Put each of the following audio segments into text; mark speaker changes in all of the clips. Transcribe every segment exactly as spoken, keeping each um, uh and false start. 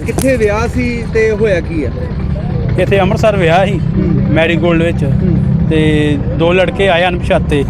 Speaker 1: ਕਿੱਥੇ ਵਿਆਹ ਸੀ ਤੇ ਹੋਇਆ ਕੀ ਹੈ?
Speaker 2: ਇੱਥੇ ਅੰਮ੍ਰਿਤਸਰ ਵਿਆਹ ਸੀ ਮੈਰੀਗੋਲਡ ਵਿੱਚ, ਤੇ ਦੋ ਲੜਕੇ ਆਏ ਅਣਪਛਾਤੇ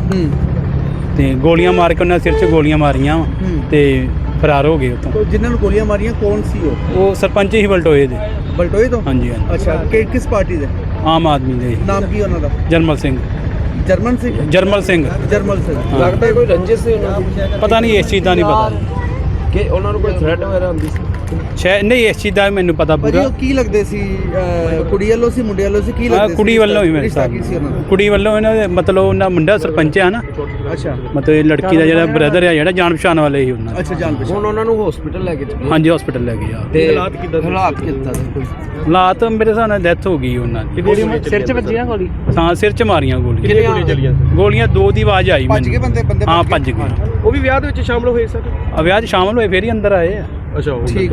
Speaker 2: ਤੇ ਗੋਲੀਆਂ ਮਾਰ ਕੇ ਉਹਨਾਂ ਸਿਰ 'ਚ ਗੋਲੀਆਂ ਮਾਰੀਆਂ ਵਾ ਤੇ ਫਰਾਰ ਹੋ ਗਏ ਉੱਥੋਂ।
Speaker 1: ਜਿਨ੍ਹਾਂ ਨੂੰ ਗੋਲੀਆਂ ਮਾਰੀਆਂ ਕੌਣ ਸੀ ਉਹ?
Speaker 2: ਉਹ ਸਰਪੰਚ ਹੀ ਬਲਟੋਏ ਦੇ।
Speaker 1: ਬਲਟੋਏ ਤੋਂ?
Speaker 2: ਹਾਂਜੀ ਹਾਂਜੀ।
Speaker 1: ਅੱਛਾ, ਕਿ ਕਿਸ ਪਾਰਟੀ ਦੇ?
Speaker 2: ਆਮ ਆਦਮੀ ਦੇ।
Speaker 1: ਨਾਮ ਕੀ ਉਹਨਾਂ ਦਾ?
Speaker 2: ਜਰਮਲ ਸਿੰਘ।
Speaker 1: ਜਰਮਨ ਸਿੰਘ?
Speaker 2: ਜਰਮਲ ਸਿੰਘ।
Speaker 1: ਜਰਮਲ ਸਿੰਘ।
Speaker 3: ਲੱਗਦਾ ਕੋਈ ਰੰਜਿਸ਼ ਸੀ ਉਹਨਾਂ ਦੀ?
Speaker 2: ਪਤਾ ਨਹੀਂ, ਇਸ ਚੀਜ਼ ਦਾ ਨਹੀਂ ਪਤਾ
Speaker 3: ਕਿ ਉਹਨਾਂ ਨੂੰ ਕੋਈ ਥ੍ਰੈਟ ਵਗੈਰਾ ਹੁੰਦੀ ਸੀ?
Speaker 2: ਸ਼ਾਇਦ ਨਹੀਂ, ਇਸ ਚੀਜ਼ ਦਾ ਮੈਨੂੰ ਪਤਾ
Speaker 1: ਭਾਜੀ
Speaker 2: ਪੂਰਾ।
Speaker 1: ਉਹ ਕੀ ਲੱਗਦੇ ਸੀ? ਅਹ, ਕੁੜੀ ਵੱਲੋਂ ਸੀ ਮੁੰਡੇ ਵੱਲੋਂ ਸੀ? ਕੀ ਲੱਗਦੇ ਸੀ?
Speaker 2: ਕੁੜੀ ਵੱਲੋਂ ਹੀ ਮੇਰੇ
Speaker 1: ਰਿਸ਼ਤਾ
Speaker 2: ਸਾਹਿਬ
Speaker 1: ਕੀ ਸੀ ਉਹਨਾਂ ਦਾ?
Speaker 2: ਕੁੜੀ ਵੱਲੋਂ ਇਹਨਾਂ ਦੇ ਮਤਲਬ ਉਹਨਾਂ ਮੁੰਡਾ ਸਰਪੰਚ ਆ ਨਾ,
Speaker 1: ਅੱਛਾ
Speaker 2: ਮਤਲਬ ਇਹ ਲੜਕੀ ਦਾ ਜਿਹੜਾ ਬ੍ਰਦਰ ਆ ਜਿਹੜਾ ਜਾਣ ਪਛਾਣ ਵਾਲੇ ਹੀ ਉਹਨਾਂ ਦੇ।
Speaker 1: ਅੱਛਾ, ਜਾਣ ਪਛਾਣ।
Speaker 3: ਹੁਣ ਉਹਨਾਂ ਨੂੰ ਹਸਪੀਟਲ ਲੈ ਕੇ ਚੱਲੇ?
Speaker 2: ਹਾਂਜੀ, ਹਸਪੀਟਲ ਲੈ ਗਏ ਆ।
Speaker 3: ਤੇ ਹਾਲਾਤ ਕਿੱਦਾਂ? ਹਾਲਾਤ ਕਿੱਦਾਂ ਦੇ ਕੋਈ?
Speaker 2: ਹਾਲਾਤ ਮੇਰੇ ਹਿਸਾਬ ਨਾਲ ਡੈਥ ਹੋ ਗਈ ਉਹਨਾਂ ਦੀ।
Speaker 3: ਸਿਰ 'ਚ ਵੱਜੀ ਨਾ ਗੋਲੀ?
Speaker 2: ਹਾਂ, ਸਿਰ 'ਚ ਮਾਰੀਆਂ ਗੋਲੀਆਂ।
Speaker 3: ਕਿੰਨੀਆਂ ਗੋਲੀਆਂ ਚੱਲੀਆਂ?
Speaker 2: ਗੋਲੀਆਂ ਦੋ ਦੀ ਆਵਾਜ਼ ਆਈ
Speaker 1: ਭੱਜ ਗਏ ਬੰਦੇ? ਬੰਦੇ
Speaker 2: ਹਾਂ, ਭੱਜ ਗਏ।
Speaker 3: ਉਹ ਵੀ ਵਿਆਹ ਦੇ ਵਿੱਚ ਸ਼ਾਮਲ ਹੋਏ ਸਰ?
Speaker 2: ਆ ਵਿਆਹ 'ਚ ਸ਼ਾਮਲ ਹੋਏ ਫੇਰ ਹੀ ਅੰਦਰ ਆਏ ਆ।
Speaker 3: ਅੱਛਾ,
Speaker 1: ਠੀਕ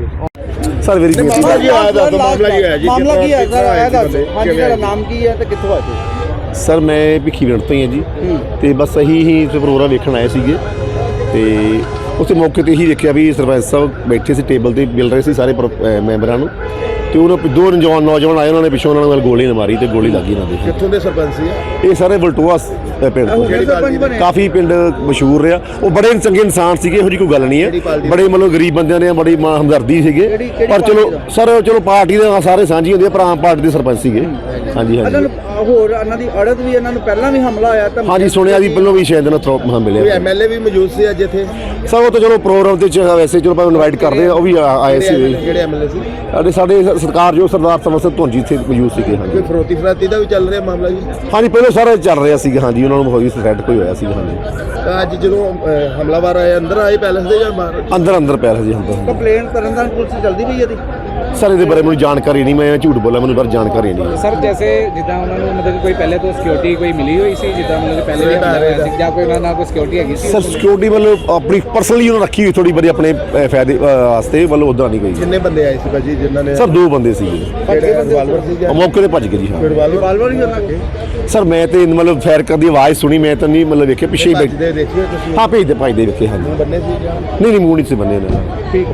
Speaker 4: ਸਰ ਮੇਰੀ
Speaker 1: ਮਾਮਲਾ ਕੀ ਆਇਆ ਦੱਸੋ? ਮਾਮਲਾ ਕੀ ਹੋਇਆ ਜੀ? ਮਾਮਲਾ ਕੀ ਹੈ ਸਰ? ਆਇਆ ਦੱਸੋ। ਹਾਂਜੀ, ਤੁਹਾਡਾ ਨਾਮ ਕੀ ਹੈ ਤੇ ਕਿੱਥੋਂ ਆਏ ਹੋ?
Speaker 4: ਸਰ ਮੈਂ ਭਿੱਖੀਵਿੰਡ ਤੋਂ ਹੀ ਹਾਂ ਜੀ, ਤੇ ਬਸ ਅਸੀਂ ਹੀ ਇੱਥੇ ਪ੍ਰੋਗਰਾਮ ਵੇਖਣ ਆਏ ਸੀਗੇ, ਤੇ ਉੱਥੇ ਮੌਕੇ ਤੇ ਹੀ ਦੇਖਿਆ ਵੀ ਸਰਪੰਚ ਸਾਹਿਬ ਬੈਠੇ ਸੀ ਟੇਬਲ ਤੇ ਮਿਲ ਰਹੇ ਸੀ ਸਾਰੇ ਮੈਂਬਰਾਂ ਨੂੰ, ਤੇ ਉਹਨਾਂ ਦੋ ਨੌਜਵਾਨ ਨੌਜਵਾਨ ਆਏ, ਉਹਨਾਂ ਨੇ ਪਿੱਛੋਂ ਉਹਨਾਂ ਨਾਲ ਗੋਲੀ ਮਾਰੀ ਤੇ ਗੋਲੀ ਲੱਗੀ ਇਹਨਾਂ ਦੇ।
Speaker 5: ਕਿੱਥੋਂ ਦੇ ਸਰਪੰਚ ਸੀ
Speaker 4: ਇਹ ਸਾਰੇ ਵਲਟੋਆ ਪਿੰਡ ਤੋਂ। ਕਾਫੀ ਪਿੰਡ ਮਸ਼ਹੂਰ ਰਿਹਾ, ਉਹ ਬੜੇ ਚੰਗੇ ਇਨਸਾਨ ਸੀਗੇ, ਇਹੋ ਜਿਹੀ ਕੋਈ ਗੱਲ ਨਹੀਂ ਹੈ, ਬੜੇ ਮਤਲਬ ਗਰੀਬ ਬੰਦਿਆਂ ਨੇ ਬੜੀ ਮਾਂ ਹਮਦਰਦੀ ਸੀਗੇ, ਪਰ ਚਲੋ ਸਰ ਚਲੋ ਪਾਰਟੀ ਦੇ ਸਾਰੇ ਸਾਂਝੀ ਹੁੰਦੀ ਹੈ, ਪਰ ਆਮ ਪਾਰਟੀ ਦੇ ਸਰਪੰਚ ਸੀਗੇ। ਹਾਂਜੀ ਹਾਂਜੀ।
Speaker 1: ਹੋਰ ਇਹਨਾਂ ਦੀ ਅੜਤ ਵੀ, ਇਹਨਾਂ ਨੂੰ ਪਹਿਲਾਂ ਵੀ ਹਮਲਾ ਆਇਆ ਤਾਂ?
Speaker 4: ਹਾਂਜੀ ਸੁਣਿਆ ਜੀ, ਪਹਿਲਾਂ ਵੀ ਸ਼ਾਇਦ ਨਾ ਥਰੋਪ ਮਹਾ ਮਿਲਿਆ।
Speaker 5: ਕੋਈ ਐਮਐਲਏ ਵੀ ਮੌਜੂਦ ਸੀ ਅੱਜ ਇੱਥੇ?
Speaker 4: ਸਰ ਉਹ ਤਾਂ ਚਲੋ ਪ੍ਰੋਗਰਾਮ ਤੇ ਵੈਸੇ ਚਲੋ ਭਾਵੇਂ ਇਨਵਾਈਟ ਕਰਦੇ ਆ, ਉਹ ਵੀ ਆਏ ਸੀ।
Speaker 5: ਕਿਹੜੇ ਐਮਐਲਏ ਸੀ?
Speaker 4: ਸਾਡੇ ਸਾਡੇ ਸਰਕਾਰ ਜੋ ਸਰਦਾਰ ਸਮਰ ਸਿੰਘ ਧੁੰਜੀ ਇੱਥੇ ਮੌਜੂਦ ਸੀਗੇ। ਹਾਂਜੀ
Speaker 5: ਕੋਈ ਫਰੋਤੀ ਫਰਾਤੀ ਦਾ ਵੀ ਚੱਲ ਰਿਹਾ ਮਾਮਲਾ ਜੀ?
Speaker 4: ਹਾਂਜੀ, ਪਹਿਲਾਂ ਸਾਰਾ ਚੱਲ ਰਿਹਾ ਸੀਗਾ। ਹਾਂਜੀ, ਉਹਨਾਂ ਨੂੰ ਹੋਈ ਥ੍ਰੈਟ ਕੋਈ ਹੋਇਆ ਸੀਗਾ। ਹਾਂਜੀ,
Speaker 5: ਤਾਂ ਅੱਜ ਜਦੋਂ ਅਹ, ਹਮਲਾਵਰ ਆਏ ਅੰਦਰ ਆਏ ਪੈਲਸ ਦੇ ਜਾਂ ਬਾਹਰ?
Speaker 4: ਅੰਦਰ ਅੰਦਰ ਪੈ ਰਿਹਾ ਜੀ ਅੰਦਰ।
Speaker 1: ਕੰਪਲੇਂਟ ਕਰਨ ਦਾ ਪੁਲਿਸ ਜਲਦੀ ਪਈ ਇਹਦੀ?
Speaker 4: ਸਰ ਇਹਦੇ ਬਾਰੇ ਮੈਨੂੰ ਜਾਣਕਾਰੀ ਨਹੀਂ, ਮੈਂ ਝੂਠ ਬੋਲਾਂ, ਮੈਨੂੰ ਬਾਰੇ ਜਾਣਕਾਰੀ ਨਹੀਂ।
Speaker 6: ਸਰ ਜੈਸੇ ਜਿੱਦਾਂ ਉਹਨਾਂ ਨੂੰ ਮਤਲਬ ਕੋਈ ਪਹਿਲੇ ਤੋਂ ਸਿਕਿਉਰਿਟੀ ਕੋਈ ਮਿਲੀ ਹੋਈ ਸੀ, ਜਿੱਦਾਂ ਮਤਲਬ ਪਹਿਲੇ ਵੀ ਹਮਲਾ ਹੋਇਆ ਸੀ, ਜਾਂ ਕੋਈ ਉਹਨਾਂ ਨਾਲ ਕੋਈ ਸਿਕਿਉਰਿਟੀ ਹੈਗੀ ਸੀ?
Speaker 4: ਸਰ ਸਿਕਿਉਰਿਟੀ ਵੱਲੋਂ ਆਪਣੀ ਪਰਸਨਲੀ ਉਹਨਾਂ ਰੱਖੀ ਹੋਈ ਥੋੜੀ ਬੜੀ ਆਪਣੇ ਅਹ, ਫਾਇਦੇ ਵਾਸਤੇ, ਵੱਲੋਂ ਉੱਦਾਂ ਨਹੀਂ ਗਈ।
Speaker 5: ਕਿੰਨੇ ਬੰਦੇ ਆਏ ਸੀ ਭਾਜੀ ਜਿਨ੍ਹਾਂ ਨੇ?
Speaker 4: ਸਰ ਦੋ ਬੰਦੇ ਸੀਗੇ,
Speaker 5: ਕਿਹੜੇ ਰਿਵਾਲਵਰ ਸੀ ਜਾਂ
Speaker 4: ਮੌਕੇ ਤੇ ਭੱਜ ਗਏ ਜੀ। ਹਾਂ
Speaker 5: ਰਿਵਾਲਵਰ ਹੀ ਉਹਨਾਂ ਕੇ?
Speaker 4: ਸਰ ਮੈਂ ਤੇ ਮਤਲਬ ਫਾਇਰ ਕਰਨ ਦੀ ਆਵਾਜ਼ ਸੁਣੀ, ਮੈਂ ਤਾਂ ਨਹੀਂ ਮਤਲਬ ਵੇਖਿਆ, ਪਿੱਛੇ ਹੀ ਬੈਠੇ।
Speaker 5: ਭੱਜਦੇ ਦੇਖਿਓ ਤੁਸੀਂ?
Speaker 4: ਹਾਂ ਭੇਜਦੇ ਭੱਜਦੇ ਵੇਖੇ। ਹਾਂਜੀ
Speaker 5: ਬੰਨੇ ਸੀ ਜਾਂ?
Speaker 4: ਨਹੀਂ ਨਹੀਂ, ਮੂੰਹ ਨਹੀਂ ਸੀ ਬੰਨੇ ਇਹਨਾਂ ਨੇ।
Speaker 5: ਠੀਕ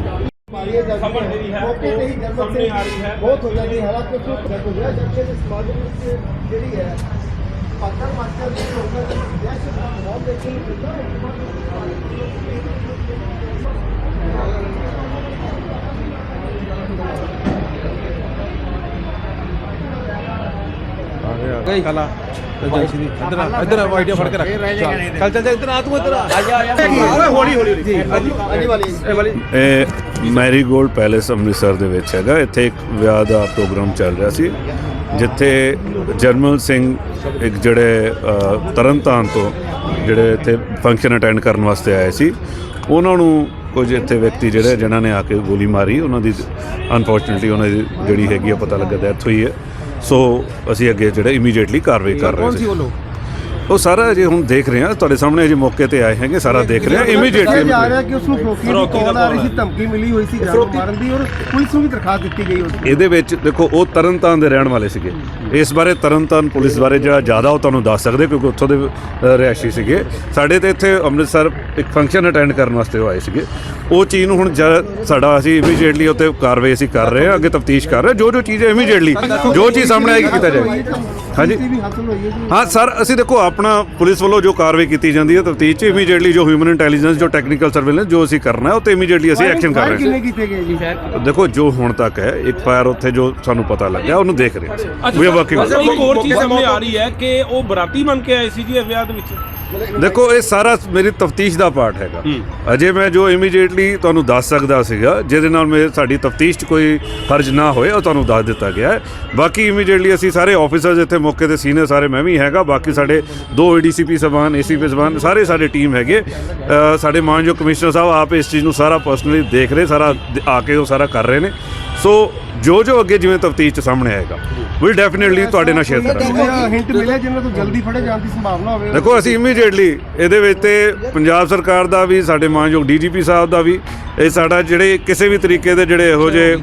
Speaker 1: ਬਹੁਤ ਹੋ ਜਾਂਦੀ ਹਾਲਾਤ ਕੁਝ ਜੱਥੇ ਦੇ ਸਮਾਜ ਵਿੱਚ ਜਿਹੜੀ ਹੈ ਪਾਤਰ ਮਾਤਰ ਦੀ ਲੋਕਾਂ ਦੀ ਦਹਿਸ਼ਤ ਦਾ ਮਾਹੌਲ ਦੇਖਣ ਨੂੰ ਮਿਲਦਾ ਹੈ।
Speaker 3: ਕਲਾ ਏਜੰਸੀ ਦੀ ਇੱਧਰ ਆ, ਇੱਧਰ ਆਈਡੀਆ ਫੜ ਕੇ ਰੱਖ। ਚੱਲ ਚੱਲ ਚੱਲ ਇੱਧਰ ਆ, ਤੂੰ ਇੱਧਰ ਆ ਜਾ ਆ ਜਾ। ਹੌਲੀ ਹੌਲੀ ਜੀ। ਹਾਂਜੀ ਵਾਲੀ ਇਹ ਵਾਲੀ
Speaker 7: ਇਹ ਮੈਰੀਗੋਲਡ ਪੈਲੇਸ ਅੰਮ੍ਰਿਤਸਰ ਦੇ ਵਿੱਚ ਹੈਗਾ। ਇੱਥੇ ਇੱਕ ਵਿਆਹ ਦਾ ਪ੍ਰੋਗਰਾਮ ਚੱਲ ਰਿਹਾ ਸੀ, ਜਿੱਥੇ ਜਰਮਲ ਸਿੰਘ ਇੱਕ ਜਿਹੜੇ ਤਰਨਤਾਰਨ ਤੋਂ ਜਿਹੜੇ ਇੱਥੇ ਫੰਕਸ਼ਨ ਅਟੈਂਡ ਕਰਨ ਵਾਸਤੇ ਆਏ ਸੀ, ਉਹਨਾਂ ਨੂੰ ਕੁਝ ਇੱਥੇ ਵਿਅਕਤੀ ਜਿਹੜੇ ਜਿਨ੍ਹਾਂ ਨੇ ਆ ਕੇ ਗੋਲੀ ਮਾਰੀ, ਉਹਨਾਂ ਦੀ ਅਨਫੋਰਚੂਨੇਟਲੀ ਉਹਨਾਂ ਦੀ ਜਿਹੜੀ ਹੈਗੀ ਆ ਪਤਾ ਲੱਗਾ ਡੈਥ ਹੋਈ ਹੈ। ਸੋ ਅਸੀਂ ਅੱਗੇ ਜਿਹੜੇ ਇਮੀਡੀਏਟਲੀ ਕਾਰਵਾਈ ਕਰ ਰਹੇ ਸੀ। ਉਹ ਸਾਰਾ ਜੇ ਹੁਣ ਦੇਖ ਰਹੇ ਹਾਂ, ਤੁਹਾਡੇ ਸਾਹਮਣੇ ਅਜੇ ਮੌਕੇ ਤੇ ਆਏ ਹੈਗੇ, ਸਾਰਾ ਦੇਖ ਰਹੇ ਹਾਂ ਇਮੀਡੀਏਟਲੀ।
Speaker 5: ਜਾ ਰਿਹਾ ਕਿ ਉਸ ਨੂੰ ਫਰੋਤੀ ਦੀ ਕਾਲ ਆ ਰਹੀ ਸੀ, ਧਮਕੀ ਮਿਲੀ ਹੋਈ ਸੀ ਜਾਨ ਮਾਰਨ ਦੀ, ਔਰ ਪੁਲਿਸ ਨੂੰ ਵੀ ਦਰਖਾਸਤ ਦਿੱਤੀ ਗਈ ਉਸ।
Speaker 7: ਇਹਦੇ ਵਿੱਚ ਦੇਖੋ ਉਹ ਤਰਨਤਾਰਨ ਦੇ ਰਹਿਣ ਵਾਲੇ ਸੀਗੇ। ਇਸ ਬਾਰੇ ਤਰਨਤਾਰਨ ਪੁਲਿਸ ਬਾਰੇ ਜਿਹੜਾ ਜ਼ਿਆਦਾ ਉਹ ਤੁਹਾਨੂੰ ਦੱਸ ਸਕਦੇ, ਕਿਉਂਕਿ ਉੱਥੋਂ ਦੇ ਰਿਹਾਇਸ਼ੀ ਸੀਗੇ। ਸਾਡੇ ਤੇ ਇੱਥੇ ਅੰਮ੍ਰਿਤਸਰ ਇੱਕ ਫੰਕਸ਼ਨ ਅਟੈਂਡ ਕਰਨ ਵਾਸਤੇ ਉਹ ਆਏ ਸੀਗੇ। ਉਹ ਚੀਜ਼ ਨੂੰ ਹੁਣ ਸਾਡਾ ਅਸੀਂ ਇਮੀਡੀਏਟਲੀ ਉੱਤੇ ਕਾਰਵਾਈ ਅਸੀਂ ਕਰ ਰਹੇ ਹਾਂ, ਅੱਗੇ ਤਫਤੀਸ਼ ਕਰ ਰਹੇ, ਜੋ ਜੋ ਚੀਜ਼ ਹੈ ਇਮੀਡੀਏਟਲੀ ਜੋ ਚੀਜ਼ ਸਾਹਮਣੇ ਆਏਗੀ ਕੀਤਾ ਜਾਏਗਾ। ਹਾਂਜੀ ਹਾਂ ਸਰ, ਅਸੀਂ ਦੇਖੋ ਆਪਣਾ ਪੁਲਿਸ ਵੱਲੋਂ ਜੋ ਕਾਰਵਾਈ ਕੀਤੀ ਜਾਂਦੀ ਹੈ ਤਫਤੀਸ਼ 'ਚ, ਇਮੀਡੀਏਟਲੀ ਜੋ ਹਿਊਮਨ ਇੰਟੈਲੀਜੈਂਸ ਜੋ ਟੈਕਨੀਕਲ ਸਰਵੇਲੈਂਸ ਜੋ ਅਸੀਂ ਕਰਨਾ ਹੈ ਉਹ 'ਤੇ ਇਮੀਡੀਏਟਲੀ ਅਸੀਂ ਐਕਸ਼ਨ ਕਰ ਰਹੇ ਹਾਂ। ਦੇਖੋ ਜੋ ਹੁਣ ਤੱਕ ਹੈ ਇੱਕ ਫਾਇਰ ਉੱਥੇ ਜੋ ਸਾਨੂੰ ਪਤਾ ਲੱਗਿਆ ਉਹਨੂੰ ਦੇਖ ਰਹੇ ਹਾਂ। ਵੀ ਵਰਕਿੰਗ।
Speaker 8: ਇੱਕ ਹੋਰ ਚੀਜ਼ ਸਾਹਮਣੇ ਆ ਰਹੀ ਹੈ ਕਿ ਉਹ ਬਰਾਤੀ ਬਣ ਕੇ ਆਏ ਸੀ ਜੀ ਵਿਆਹ ਦੇ ਵਿੱਚ।
Speaker 7: ਦੇਖੋ ਇਹ ਸਾਰਾ ਮੇਰੀ ਤਫਤੀਸ਼ ਦਾ ਪਾਰਟ ਹੈਗਾ। ਅਜੇ ਮੈਂ ਜੋ ਇਮੀਡੀਏਟਲੀ ਤੁਹਾਨੂੰ ਦੱਸ ਸਕਦਾ ਸੀਗਾ, ਜਿਹਦੇ ਨਾਲ ਮੇਰੇ ਸਾਡੀ ਤਫਤੀਸ਼ 'ਚ ਕੋਈ ਹਰਜ ਨਾ ਹੋਏ, ਉਹ ਤੁਹਾਨੂੰ ਦੱਸ ਦਿੱਤਾ ਗਿਆ ਹੈ। ਬਾਕੀ ਇਮੀਡੀਏਟਲੀ ਅਸੀਂ ਸਾਰੇ ਆਫਿਸਰਸ ਇੱਥੇ ਮੌਕੇ ਤੇ ਸੀਨੀਅਰ ਸਾਰੇ ਮੈਂ ਵੀ ਹੈਗਾ, ਬਾਕੀ ਸਾਡੇ ਦੋ ਏ ਡੀ ਸੀ ਪੀ ਸਾਹਿਬਾਨ, ਏ ਸੀ ਪੀ ਸਾਹਿਬਾਨ, ਸਾਰੇ ਸਾਡੇ ਟੀਮ ਹੈਗੇ। ਸਾਡੇ ਮਾਨਯੋਗ ਕਮਿਸ਼ਨਰ ਸਾਹਿਬ ਆਪ ਇਸ ਚੀਜ਼ ਨੂੰ ਸਾਰਾ ਪਰਸਨਲੀ ਦੇਖ ਰਹੇ, ਸਾਰਾ ਆ ਕੇ ਉਹ ਸਾਰਾ ਕਰ ਰਹੇ ਨੇ। ਸੋ ਜੋ ਜੋ ਅੱਗੇ ਜਿਵੇਂ ਤਫਤੀਸ਼ 'ਚ ਸਾਹਮਣੇ ਆਏਗਾ ਵਿਲ ਡੈਫੀਨੇਟਲੀ ਤੁਹਾਡੇ ਨਾਲ ਸ਼ੇਅਰ ਕਰਾਂਗੇ।
Speaker 5: ਹਿੰਟ ਮਿਲਿਆ ਜਿਨ੍ਹਾਂ ਤੋਂ ਜਲਦੀ ਫੜੇ ਜਾਣ ਦੀ ਸੰਭਾਵਨਾ ਹੋਵੇ?
Speaker 7: ਦੇਖੋ ਅਸੀਂ ਇਮੀਡੀਏਟਲੀ ਇਹਦੇ ਵਿੱਚ ਤੇ ਪੰਜਾਬ ਸਰਕਾਰ ਦਾ ਵੀ, ਸਾਡੇ ਮਾਨਯੋਗ ਡੀ ਜੀ ਪੀ ਸਾਹਿਬ ਦਾ ਵੀ, ਇਹ ਸਾਡਾ ਜਿਹੜੇ ਕਿਸੇ ਵੀ ਤਰੀਕੇ ਦੇ ਜਿਹੜੇ ਇਹੋ ਜਿਹੇ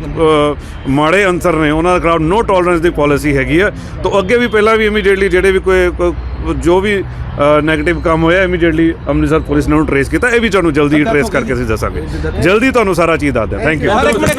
Speaker 7: ਮਾੜੇ ਅਨਸਰ ਨੇ ਉਹਨਾਂ ਦੇ ਖਿਲਾਫ ਨੋ ਟੋਲਰੈਂਸ ਦੀ ਪਾਲਿਸੀ ਹੈਗੀ ਆ। ਤਾਂ ਅੱਗੇ ਵੀ ਪਹਿਲਾਂ ਵੀ ਇਮੀਡੀਏਟਲੀ ਜਿਹੜੇ ਵੀ ਕੋਈ ਜੋ ਵੀ ਨੈਗੇਟਿਵ ਕੰਮ ਹੋਇਆ ਇਮੀਡੀਏਟਲੀ ਅੰਮ੍ਰਿਤਸਰ ਪੁਲਿਸ ਨੇ ਉਹਨੂੰ ਟਰੇਸ ਕੀਤਾ। ਇਹ ਵੀ ਤੁਹਾਨੂੰ ਜਲਦੀ ਟਰੇਸ ਕਰਕੇ ਅਸੀਂ ਦੱਸਾਂਗੇ, ਜਲਦੀ ਤੁਹਾਨੂੰ ਸਾਰਾ ਚੀਜ਼ ਦੱਸ ਦਿਆਂ। Thank you.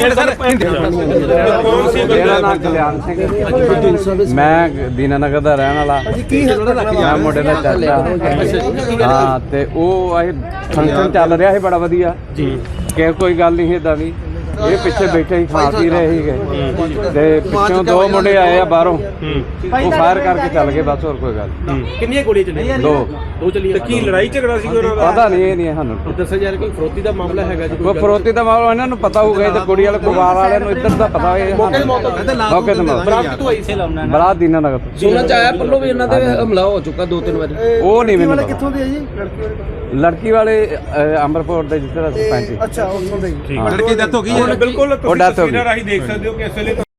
Speaker 6: ਮੇਰਾ ਨਾਮ ਕਲਿਆਣ ਸਿੰਘ, ਮੈਂ ਦੀਨਾਨਗਰ ਦਾ ਰਹਿਣ ਵਾਲਾ। ਮੈਂ ਮੁੰਡੇ ਦਾ ਚਾਚਾ ਹਾਂ, ਤੇ ਉਹ ਅਸੀਂ ਫੰਕਸ਼ਨ ਚੱਲ ਰਿਹਾ ਸੀ ਬੜਾ ਵਧੀਆ ਜੀ, ਕਿ ਕੋਈ ਗੱਲ ਨਹੀਂ ਇਦਾਂ ਦੀ। ਇਹ ਪਿੱਛੇ ਬੈਠੇ ਹੀ ਖਾ ਪੀ ਰਹੇ ਸੀਗੇ ਤੇ ਪਿੱਛੋਂ ਦੋ ਮੁੰਡੇ ਆਏ ਆ ਬਾਹਰੋਂ, ਉਹ ਫਾਇਰ ਕਰਕੇ ਚੱਲ ਗਏ ਬਸ, ਹੋਰ ਕੋਈ ਗੱਲ।
Speaker 8: ਕਿੰਨੀਆਂ ਗੋਲੀਆਂ ਚੱਲੀਆਂ?
Speaker 6: ਦੋ
Speaker 8: ਦੋ ਚੱਲੀਆਂ। ਤੇ ਕੀ ਲੜਾਈ ਝਗੜਾ ਸੀ ਉਹਨਾਂ ਦਾ?
Speaker 6: ਪਤਾ ਨਹੀਂ, ਇਹ ਨਹੀਂ ਸਾਨੂੰ
Speaker 8: ਦੱਸਿਆ ਜਾ ਰਿਹਾ ਕੋਈ ਫਰੋਤੀ ਦਾ ਮਾਮਲਾ ਹੈਗਾ ਜੀ?
Speaker 6: ਕੋਈ ਫਰੋਤੀ ਦਾ ਮਾਮਲਾ ਇਹਨਾਂ ਨੂੰ ਪਤਾ ਹੋਊਗਾ, ਤੇ ਕੁੜੀ ਵਾਲੇ ਪਰਿਵਾਰ ਵਾਲਿਆਂ ਨੂੰ ਇੱਧਰ ਦਾ ਪਤਾ ਹੋਏ। ਮੌਕੇ ਤੇ ਮੌਤ
Speaker 8: ਬਰਾਤ ਕਿੱਥੋਂ ਆਈ ਸੀ?
Speaker 6: ਬਰਾਤ ਦੀਨਾਨਗਰ ਤੋਂ।
Speaker 9: ਸੁਣਨ ਚ ਆਇਆ ਪੱਲੋ ਵੀ ਇਹਨਾਂ ਦੇ ਹਮਲਾ ਹੋ ਚੁੱਕਾ ਦੋ ਤਿੰਨ ਵਾਰੀ।
Speaker 6: ਉਹ ਨਹੀਂ ਮੈਨੂੰ ਪਤਾ।
Speaker 1: ਕਿੱਥੋਂ ਦੇ ਆ ਜੀ?
Speaker 6: ਲੜਕੀ ਵਾਲੇ ਅੰਮ੍ਰਿਤਪੁਰ ਦੇ ਜਿੱਥੇ ਦਾ ਸਰਪੰਚ।
Speaker 1: ਅੱਛਾ, ਉੱਥੋਂ ਦੇ।
Speaker 3: ਲੜਕੀ ਦੀ ਡੈਥ ਹੋ ਗਈ ਹੈ।
Speaker 8: ਬਿਲਕੁਲ
Speaker 6: ਉਹ death ਹੋ ਗਈ।
Speaker 8: ਤਸਵੀਰਾਂ ਰਾਹੀਂ ਦੇਖ ਸਕਦੇ ਹੋ ਕਿ ਇਸ ਵੇਲੇ